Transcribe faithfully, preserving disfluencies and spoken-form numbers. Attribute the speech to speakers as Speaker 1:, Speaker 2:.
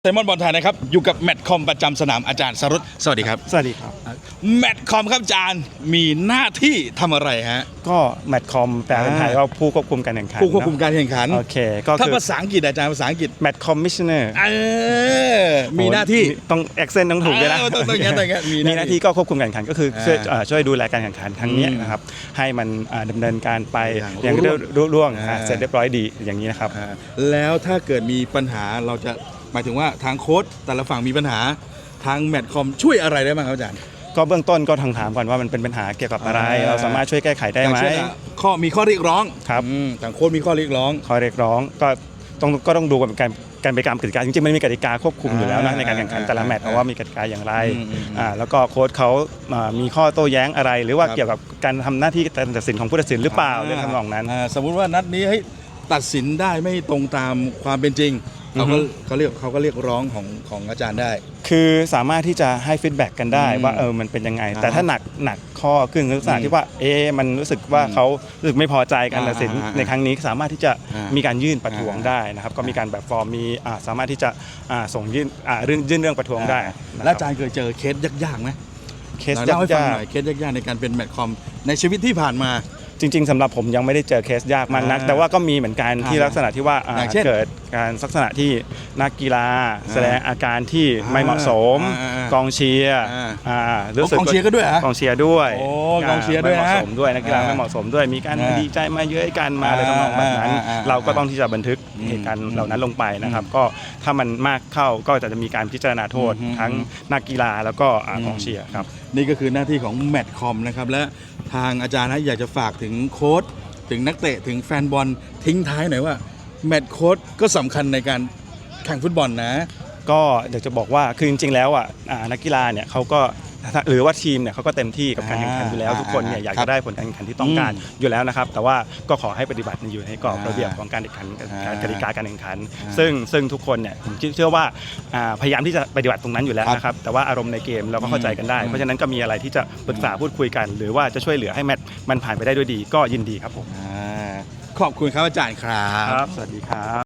Speaker 1: ไซมอนบอลไทยนะครับอยู่กับแมตช์คอมประจำสนามอาจารย์สรุตสวัสดีครับ
Speaker 2: สวัสดีครับ
Speaker 1: แมตช์คอมครับอาจารย์มีหน้าที่ทำอะไรฮะ
Speaker 2: ก็แมตช์คอมแปลเป็นไทยว่าผู้ควบคุมการแข่งขัน
Speaker 1: ผู้ควบคุมการแข่งขัน
Speaker 2: โอเคก็
Speaker 1: ถ้าภาษาอังกฤษอาจารย์ภาษาอังกฤษ
Speaker 2: แมตช์คอมมิชชันเนอร์
Speaker 1: เออมีหน้าที่
Speaker 2: ต้องแอคเซนต์ต้องถูกด้วยนะ
Speaker 1: ต้องต้องอย่างนั้น
Speaker 2: มีหน้าที่ก็ควบคุมการแข่งขันก็คือช่วยช่วยดูแลการแข่งขันครั้งนี้นะครับให้มันดำเนินการไปอย่างรุ่ร่วงเสร็จเรียบร้อยดีอย่างนี้นะครับ
Speaker 1: แล้วถ้าเกิดมีปัญหาเราจะหมายถึงว่าทางโค้ชแต่ละฝั่งมีปัญหาทางแมตช์คอมช่วยอะไรได้บ้างครับอาจารย์
Speaker 2: ก็เบื้องต้นก็ทางถามก่อนว่ามันเป็นปัญหาเกี่ยวกับอะไรเราสามารถช่วยแก้ไขได้ไหม
Speaker 1: ข้อมีข้อเรียกร้อง
Speaker 2: ครับ
Speaker 1: ทางโค้ชมีข้อเรียกร้อง
Speaker 2: ข้อเรียกร้องก็ต้องก็ต้องดูกันการการไปตามกติกาจริงๆมันมีกติกาควบคุมอยู่แล้วนะในการแข่งขันแต่ละแมตช์ว่ามีกติกาอย่างไรอ่าแล้วก็โค้ชเขามีข้อโต้แย้งอะไรหรือว่าเกี่ยวกับการทำหน้าที่การตัดสินของผู้ตัดสินหรือเปล่าเรื่องทำนองนั้น
Speaker 1: สมมุติว่านัดนี้ให้ตัดสินได้ไม่ตรงตามความเป็นจริงเขาก็เขาเรียกเขาก็เรียกร้องของของอาจารย์ได้
Speaker 2: คือสามารถที่จะให้ฟีดแบ็กกันได้ว่าเออมันเป็นยังไงแต่ถ้าหนักหนักข้อขึ้นลักษณะที่ว่าเอมันรู้สึกว่าเขารู้สึกไม่พอใจการตัดสินในครั้งนี้สามารถที่จะมีการยื่นประท้วงได้นะครับก็มีการแบบฟอร์มมีสามารถที่จะส่งยื่นเรื่องยื่นเรื่องประท้วงได้
Speaker 1: แล้วอาจารย์เคยเจอเคสยากๆไหม
Speaker 2: เคสยาก
Speaker 1: ๆเคสยากๆในการเป็นแมตช์คอมในชีวิตที่ผ่านมา
Speaker 2: จริงๆสำหรับผมยังไม่ได้เจอเคสยากมากนักแต่ว่าก็มีเหมือนกันที่ลักษณะที่ว่าเกิดการลักษณะที่นักกีฬาแสดงอาการที่ไม่เหมาะสมกองเชียร์
Speaker 1: รู้สึกกองเชียร์ก็ด้วย
Speaker 2: กองเชียร์ด้วย
Speaker 1: กองเชียร์ด้วย
Speaker 2: ไม่เหมาะสมด้วยนักกีฬาไม่เหมาะสมด้วยมีการดีใจมาเยอะกันมาอะไรทำนองแบบนั้นเราก็ต้องที่จะบันทึกเหตุการณ์เหล่านั้นลงไปนะครับก็ถ้ามันมากเข้าก็จะมีการพิจารณาโทษทั้งนักกีฬาแล้วก็กองเชียร์ครับ
Speaker 1: นี่ก็คือหน้าที่ของแมตช์คอมนะครับและทางอาจารย์นะอยากจะฝากถึงโค้ชถึงนักเตะถึงแฟนบอลทิ้งท้ายหน่อยว่าแมตช์โค้ชก็สำคัญในการแข่งฟุตบอลนะ
Speaker 2: ก็อยากจะบอกว่าคือจริงๆแล้วอ่ะนักกีฬาเนี่ยเขาก็หรือว่าทีมเนี่ยเขาก็เต็มที่กับการแข่งขันอยู่แล้วทุกคนเนี่ยอยากจะได้ผลการแข่งขันที่ต้องการอยู่แล้วนะครับแต่ว่าก็ขอให้ปฏิบัติอยู่ในกรอบระเบียบของการแข่งขันการกติกาการแข่งขันซึ่งซึ่งทุกคนเนี่ยผมเชื่อว่าพยายามที่จะปฏิบัติตรงนั้นอยู่แล้วนะครับแต่ว่าอารมณ์ในเกมเราก็เข้าใจกันได้เพราะฉะนั้นก็มีอะไรที่จะปรึกษาพูดคุยกันหรือว่าจะช่วยเหลือให้แมตช์มันผ่านไปได้ด้วยดีก็ยินดีครับผม
Speaker 1: ขอบคุณครับอาจารย์ครับ
Speaker 2: สวัสดีครับ